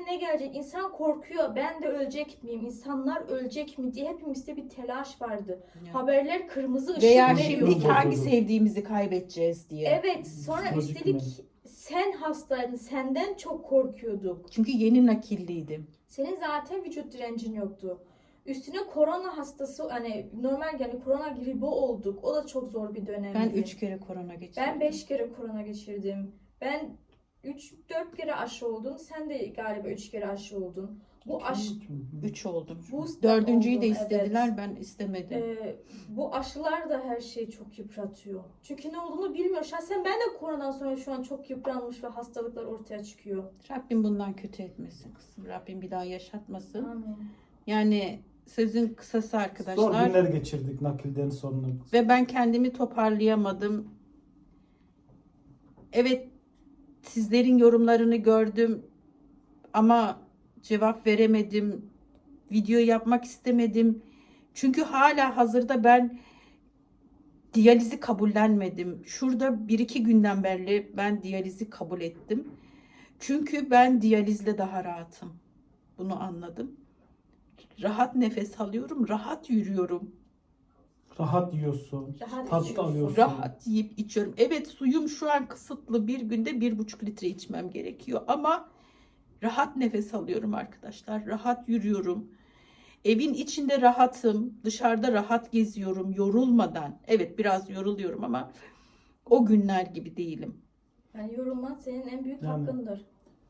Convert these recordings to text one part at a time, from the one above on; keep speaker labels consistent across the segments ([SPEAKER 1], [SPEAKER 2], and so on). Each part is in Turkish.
[SPEAKER 1] ne gelecek? İnsan korkuyor. Ben de ölecek miyim? İnsanlar ölecek mi diye hepimizde bir telaş vardı.
[SPEAKER 2] Evet.
[SPEAKER 1] Haberler kırmızı ışık
[SPEAKER 2] Veya
[SPEAKER 1] veriyor.
[SPEAKER 2] şimdi hangi sevdiğimizi kaybedeceğiz diye.
[SPEAKER 1] Evet, sonra
[SPEAKER 3] Psikolojik
[SPEAKER 1] üstelik
[SPEAKER 3] mi?
[SPEAKER 1] sen hastaydın. Senden çok korkuyorduk.
[SPEAKER 2] Çünkü yeni nakilliydim.
[SPEAKER 1] Senin zaten vücut direncin yoktu. Üstüne korona hastası, hani normal yani korona gribi olduk. O da çok zor bir dönemdi.
[SPEAKER 2] Ben 3 kere korona geçirdim.
[SPEAKER 1] Ben 5 kere korona geçirdim. Ben 3-4 kere aşı oldum. Sen de galiba 3 kere aşı oldun. Bu aşı
[SPEAKER 2] 3 oldum.
[SPEAKER 1] Booster
[SPEAKER 2] Dördüncüyü de
[SPEAKER 1] oldun,
[SPEAKER 2] istediler,
[SPEAKER 1] evet.
[SPEAKER 2] ben istemedim.
[SPEAKER 1] Bu aşılar da her şeyi çok yıpratıyor. Çünkü ne olduğunu bilmiyor. Şahsen ben de koronadan sonra şu an çok yıpranmış ve hastalıklar ortaya çıkıyor.
[SPEAKER 2] Rabbim bundan kötü etmesin kızım. Rabbim bir daha yaşatmasın.
[SPEAKER 1] Amin.
[SPEAKER 2] Yani sözün kısası
[SPEAKER 3] Zor
[SPEAKER 2] arkadaşlar.
[SPEAKER 3] günler geçirdik nakilden sonra.
[SPEAKER 2] Ve ben kendimi toparlayamadım. Evet, sizlerin yorumlarını gördüm ama cevap veremedim. Video yapmak istemedim. Çünkü hala hazırda ben diyalizi kabullenmedim. Şurada 1-2 günden beri ben diyalizi kabul ettim. Çünkü ben diyalizle daha rahatım. Bunu anladım. Rahat nefes alıyorum, rahat yürüyorum.
[SPEAKER 3] Rahat yiyorsun.
[SPEAKER 1] Rahat
[SPEAKER 3] Tat
[SPEAKER 1] içiyorsun.
[SPEAKER 3] alıyorsun.
[SPEAKER 2] Rahat yiyip içiyorum. Evet, suyum şu an kısıtlı. Bir günde 1,5 litre içmem gerekiyor. Ama rahat nefes alıyorum arkadaşlar. Rahat yürüyorum. Evin içinde rahatım. Dışarıda rahat geziyorum yorulmadan. Evet, biraz yoruluyorum ama o günler gibi değilim.
[SPEAKER 1] Yani yorulman senin en büyük
[SPEAKER 3] Yani.
[SPEAKER 1] hakkındır.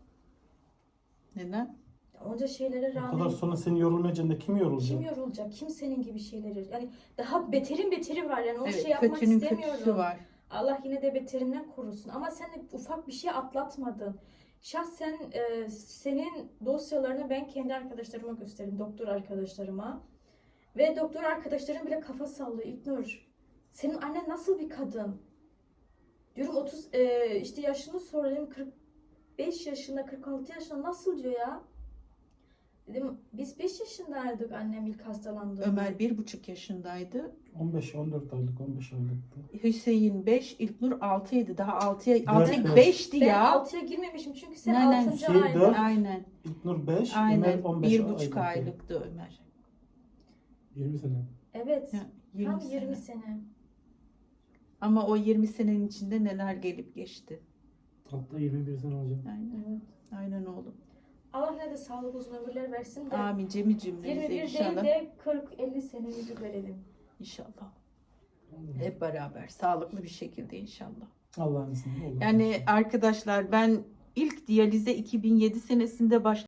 [SPEAKER 2] Neden?
[SPEAKER 1] Onca şeylere
[SPEAKER 3] O kadar
[SPEAKER 1] rağmen
[SPEAKER 3] sonra seni yorulmayacak da kim yorulacak?
[SPEAKER 1] kim yorulacak? Kim senin gibi şeyleri? Yani daha beterin beteri var. Yani o
[SPEAKER 2] Evet,
[SPEAKER 1] şey yapmak
[SPEAKER 2] kötünün
[SPEAKER 1] istemiyorum.
[SPEAKER 2] kötüsü var.
[SPEAKER 1] Allah yine de beterinden korusun. Ama sen de ufak bir şey atlatmadın. Şahsen senin dosyalarını ben kendi arkadaşlarıma gösterdim. Doktor arkadaşlarıma. Ve doktor arkadaşlarım bile kafa sallıyor. İlknur, senin annen nasıl bir kadın? Diyorum 30 işte yaşını sordum, 45 yaşında 46 yaşında nasıl diyor ya? Dedim biz 5 yaşındaydık annem ilk hastalandı.
[SPEAKER 2] Ömer 1,5 yaşındaydı.
[SPEAKER 3] 15-14 aylık, 15 aylıktı.
[SPEAKER 2] Hüseyin 5, İlknur 6'ydı. Daha 6'ya 6'ya
[SPEAKER 3] Dört,
[SPEAKER 2] 5'ti
[SPEAKER 1] Ben
[SPEAKER 2] ya.
[SPEAKER 1] 6'ya girmemişim çünkü sen
[SPEAKER 2] Aynen.
[SPEAKER 1] 6.
[SPEAKER 3] Şey,
[SPEAKER 1] ayda.
[SPEAKER 3] dört.
[SPEAKER 2] Aynen.
[SPEAKER 3] İlknur 5, Ömer
[SPEAKER 2] Aynen.
[SPEAKER 3] 15
[SPEAKER 2] 1,5 aylıktı Ömer.
[SPEAKER 4] 20 sene.
[SPEAKER 1] Evet.
[SPEAKER 2] Ya, 20
[SPEAKER 1] Tam
[SPEAKER 2] sene.
[SPEAKER 1] 20 sene.
[SPEAKER 2] Ama o 20 senenin içinde neler gelip geçti.
[SPEAKER 4] Hatta 21 sene olacak.
[SPEAKER 2] Aynen.
[SPEAKER 1] Evet.
[SPEAKER 2] Aynen oğlum.
[SPEAKER 1] Allah ne de sağlık uzun ömürler versin de
[SPEAKER 2] Amin cemi cümlemize
[SPEAKER 1] 21 değil
[SPEAKER 2] inşallah.
[SPEAKER 1] de 40-50 senemizi görelim.
[SPEAKER 2] İnşallah. Hep beraber sağlıklı bir şekilde inşallah.
[SPEAKER 3] Allah'ın izniyle olur.
[SPEAKER 2] Yani arkadaşlar ben ilk diyalize 2007 senesinde başladım.